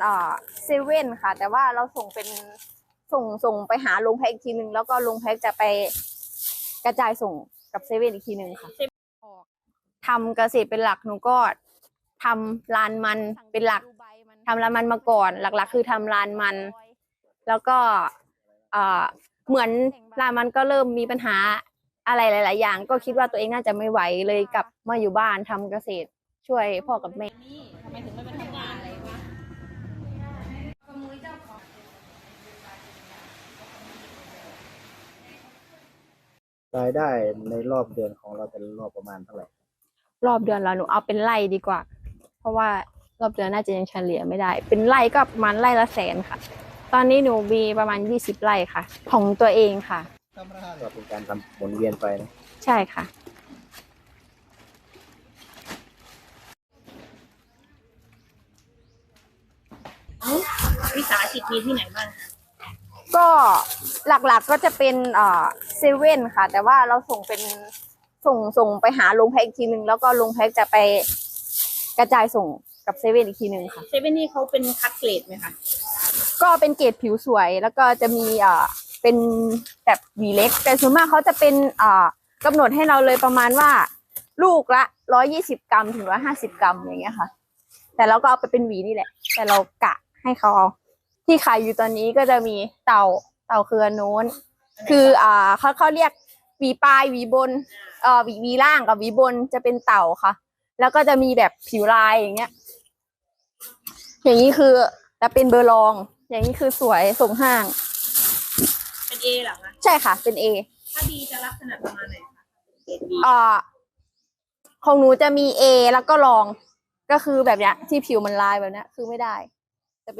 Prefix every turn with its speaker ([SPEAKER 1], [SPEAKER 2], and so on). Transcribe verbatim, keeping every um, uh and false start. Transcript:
[SPEAKER 1] เอ่อเซเว่นค่ะแต่ว่าเราส่งเป็นส่งส่งไปหาโรงแพ็คอีกทีหนึ่งแล้วก็โรงแพ็คจะไปกระจายส่งกับเซเว่นอีกทีหนึ่งค่ะทำเกษตรเป็นหลักหนูก็ทำลานมันเป็นหลักทำลานมันมาก่อนหลักๆคือทำลานมันแล้วก็เอ่อเหมือนลานมันก็เริ่มมีปัญหาอะไรหลายๆอย่างก็คิดว่าตัวเองน่าจะไม่ไหวเลยกลับมาอยู่บ้านทำเกษตรช่วยพ่อกับแม่
[SPEAKER 2] ทำไมถึงไม่มาทำงานอะไรวะ
[SPEAKER 3] รายได้ในรอบเดือนของเราแต่ละรอบประมาณเท่าไหร่
[SPEAKER 1] รอบเดือนเราหนูเอาเป็นไร่ดีกว่าเพราะว่ารอบเดือนน่าจะยังเฉลี่ยไม่ได้เป็นไร่ก็ประมาณไร่ละแสนค่ะตอนนี้หนูมีประมาณยี่สิบไร่ค่ะของตัวเองค่ะ
[SPEAKER 3] ก็เป็นการทำหมุนเวียนไปนะ
[SPEAKER 1] ใช่ค่ะ
[SPEAKER 2] วิสาหกิจมีที่ไหนบ้าง
[SPEAKER 1] ก็หลักๆก็จะเป็นเอ่อเซเว่นค่ะ แต่ว่าเราส่งเป็นส่งส่งไปหาโรงแพ็คอีกทีหนึ่งแล้วก็โรงแพ็คจะไปกระจายส่งกับเซเว่นอีกทีหนึ่งค่ะ
[SPEAKER 2] เซเว่นนี่เขาเป็นคัดเกรดไหมคะ
[SPEAKER 1] ก็เป็นเกรดผิวสวยแล้วก็จะมีเอ่อเป็นแบบหวีเล็กแต่ส่วนมากเขาจะเป็นเอ่อกำหนดให้เราเลยประมาณว่าลูกละร้อยยี่สิบกรัมถึงร้อยห้าสิบกรัมอย่างเงี้ยค่ะแต่เราก็เอาไปเป็นหวีนี่แหละแต่เรากะให้เขาเอาที่ขายอยู่ตอนนี้ก็จะมีเต่าเต่าเครือโน้นคืออ่าเขาเขาเรียกหวีปลายหวีบนเอ่อหวีหวีล่างกับหวีบนจะเป็นเต่าค่ะแล้วก็จะมีแบบผิวลายอย่างเงี้ยอย่างนี้คือจะเป็นเบอร์รองอย่างนี้คือสวยส่งห้าง
[SPEAKER 2] เป็นเอหรอคะ
[SPEAKER 1] ใช่ค่ะเป็น A
[SPEAKER 2] ถ้าดีจะลักษณะประมาณไหนคะเกรดดี
[SPEAKER 1] อ่าของหนูจะมี A แล้วก็รองก็คือแบบเนี้ยที่ผิวมันลายแบบเนี้ยคือไม่ได้